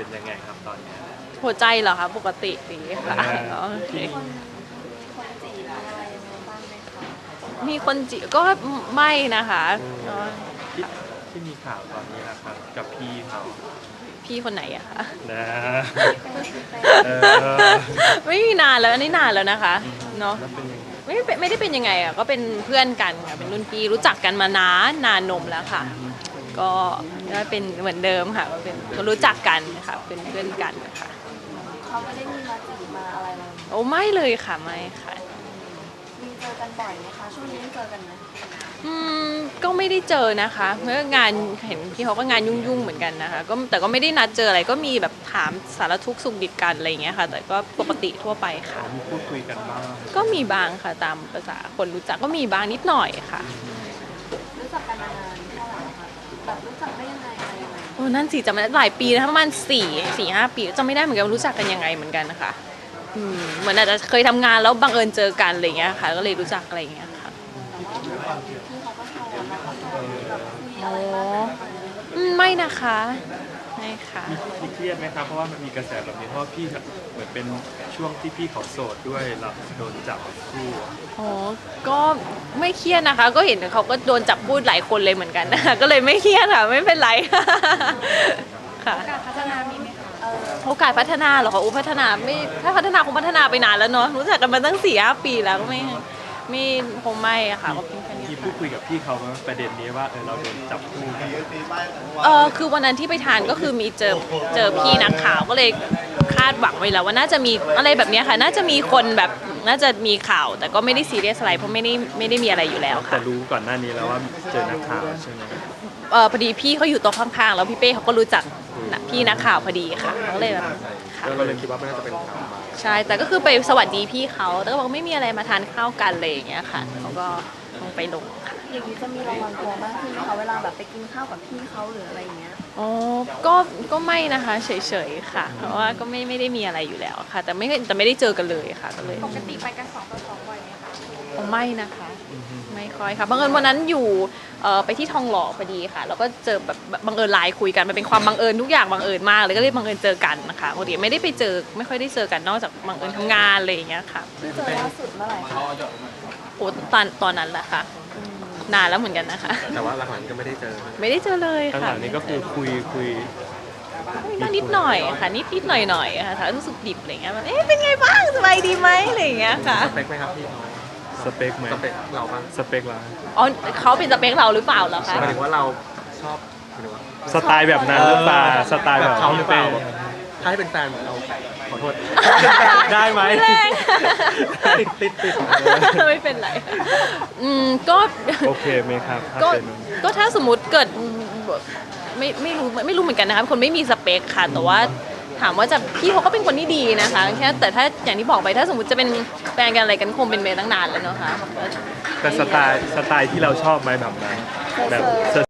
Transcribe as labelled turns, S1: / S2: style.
S1: เป็นยังไงครับตอนนี้
S2: หัวใจเหรอคะปกติดีค่ะโอเค
S3: คนจีบอะไรยังไงบ้างไหมคะ
S2: มีคนจีก็ไม่นะคะ
S1: ที่ที่มีข่าวตอนนี้นะครับกับพี่เขา
S2: พี่คนไหนอะคะ
S1: นะ
S3: เออ
S2: ไม่มีนานแล้วอันนี้นานแล้วนะคะเนาะ
S1: แล้วเป็นยังไง
S2: ไม่ได้เป็นยังไงอะก็เป็นเพื่อนกันค่ะเป็นรุ่นพี่รู้จักกันมานานนมแล้วค่ะ ก็เป็นเหมือนเดิมค่ะก็เป็นคนรู้จักกันค่ะเป็นเพื่อนกันค่ะ
S3: เขาไม่ได้มีมาจีบมาอะไรเรา
S2: โอ้ไม่เลยค่ะไม่ค่ะ
S3: มีเจอกันบ่อยไหมคะช่วงนี้ยังเจอกันไหม
S2: อืมก็ไม่ได้เจอนะคะเมื่องานเห็นพี่เขาก็งานยุ่งๆเหมือนกันนะคะก็แต่ก็ไม่ได้นัดเจออะไรก็มีแบบถามสารทุกข์สุขดิบกันอะไรอย่างเงี้ยค่ะแต่ก็ปกติทั่วไปค่ะ
S1: มีพูดคุยกันบ้าง
S2: ก็มีบางค่ะตามภาษาคนรู้จักก็มีบางนิดหน่อยค่ะ
S3: รู้จักกันมานานเท่าไหร่คะแบบรู้จักได้ยังไงอะไรยังไง
S2: โอ้นั่นสิจำไม่ได้หลายปีนะประมาณ4-5 ปีจำไม่ได้เหมือนกันว่ารู้จักกันยังไงเหมือนกันนะคะเหมือนอาจจะเคยทำงานแล้วบังเอิญเจอกันอะไรอย่างเงี้ยค่ะก็เลยรู้จักอะไรอย่างเงี้ยค่ะ
S3: แต่ว่าพี่เขาก็ชวนเราก็ชวนแบบคุยอะไรบ้างไหม
S2: ไม่นะคะไม่ค่ะ
S1: มีเครียดไหมครับเพราะว่ามันมีกระแสแบบนี้เพราะว่าพี่เหมือนเป็นช่วงที่พี่เขาโสดด้วยเราโดนจับคู่
S2: อ๋อก็ไม่เครียดนะคะ ก็เห็นเขาก็โดนจับพูดหลายคนเลยเหมือนกันนะคะก็เลยไม่เครียดค่ะไม่เป็นไรค่ะ
S3: การพัฒนามีไหมคะ
S2: โอกาสพัฒนาเหรอคะพัฒนาไม่ถ้าพัฒนาคงพัฒนาไปนานแล้วเนาะรู้จักกันมาตั้ง4-5 ปีแล้วก็ไม่คงไม่อะค่ะก็เป็นแค่นี้
S1: ที่พูดคุยกับพี่เขาว่าประเด็นนี้ว่าเราโดนจับคู่กัน
S2: คือวันนั้นที่ไปทานก็คือมีเจอพี่นักข่าวก็เลยคาดหวังไว้แล้วว่าน่าจะมีอะไรแบบเนี้ยค่ะน่าจะมีคนแบบน่าจะมีข่าว แต่ก็ไม่ได้ซีเรียสอะไรเพราะไม่ได้มีอะไรอยู่แล้วค่ะ
S1: แต่รู้ก่อนหน้านี้แล้วว่าเจอนักข่าวใช่ไหม
S2: พอดีพี่เขาอยู่โต๊ะข้างๆแล้วพี่เป้เขาก็รู้จักพี่นักข่าวพอดีค่ะก็เลยแบบค่ะ
S1: ก็เลยคิดว่าไม่น่าจะเป็นข่าวมา
S2: ใช่แต่ก็คือไปสวัสดีพี่เขาแต่ก็บอกไม่มีอะไรมาทานข้าวกันเลยอย่างเงี้ยค่ะเขาก็ลงไปลงค่ะ
S3: อย่างนี้จะมีระวังตัวมากขึ้นไหมคะเวลาแบบไปกินข้าวกับพี่เขาหรืออะไรอย่างเงี้ย
S2: อ๋อก็ไม่นะคะเฉยๆค่ะเพราะว่าก็ไม่ได้มีอะไรอยู่แล้วค่ะ แต่ไม่ได้เจอกันเลยค่ะก็เลย
S3: ปกติไปกัน2 ต่อ 2บ่อยไหมคะ
S2: อ๋อไม่นะคะไม่ค่อยค่ะบังเอิญวันนั้นอยู่ไปที่ทองหล่อพอดีค่ะแล้วก็เจอแบบบังเอิญไลน์คุยกันมันเป็นความบังเอิญทุกอย่างบังเอิญมากเลยก็เลยบังเอิญเจอกันนะคะปกติไม่ได้ไปเจอไม่ค่อยได้เจอกันนอกจากบังเอิญทำงานอะไรอย่างเงี้ยค่ะ
S3: ที่เจอล่าสุดเมื่อไหร่คะ
S2: โอ้ตอนนั้นแหละค่ะนานแล้วเหมือนกันนะคะ
S4: แต่ว่าหลังๆก็ไม่ได้เจอ
S2: ไม่ได้เจอเลย
S1: ข้างห
S2: ค่ะ
S1: ลังนี้ก็คือคุย
S2: บ้างนิดหน่อยค่ะนิดหน่อยค่ะถ้ารู้สึกดิบอะไรเงี้ยแบบเป็นไงบ้างสบายดีไหมอะไรอย่างเงี้ยค่ะ
S4: สเปคไหมครับพี่เขา
S1: สเปคไหม
S4: สเปคเราบ้าง
S1: สเปคเรา
S2: อ๋อเขาเป็นสเปคเราหรือเปล่าเหรอคะ
S4: หมายถึงว่าเราชอบหมายถึงว่า
S1: สไตล์แบบนั้นหรือเปล่าสไตล์แบบ
S4: เขาหรือเปล่า
S1: พี่
S4: ถ้าให้เป็นแฟนเราขอโทษ
S1: ได้ไหม
S2: แรง
S4: ติด
S2: ไม่เป็นไรก็
S1: โอเคไหมครับถ้า
S2: ก็
S1: เป็น
S2: ก็ถ้าสมมติเกิดไม่รู้เหมือนกันนะคะคนไม่มีสเปคค่ะแต่ว่าถามว่าจะพี่เขาก็เป็นคนที่ดีนะคะแค่แต่ถ้าอย่างที่บอกไปถ้าสมมติจะเป็นแฟนกันอะไรกันคงเป็นไปตั้งนานแล้วเนาะค่ะ
S1: แต่สไตล์ที่เราชอบไหมแบบนั้นแบบ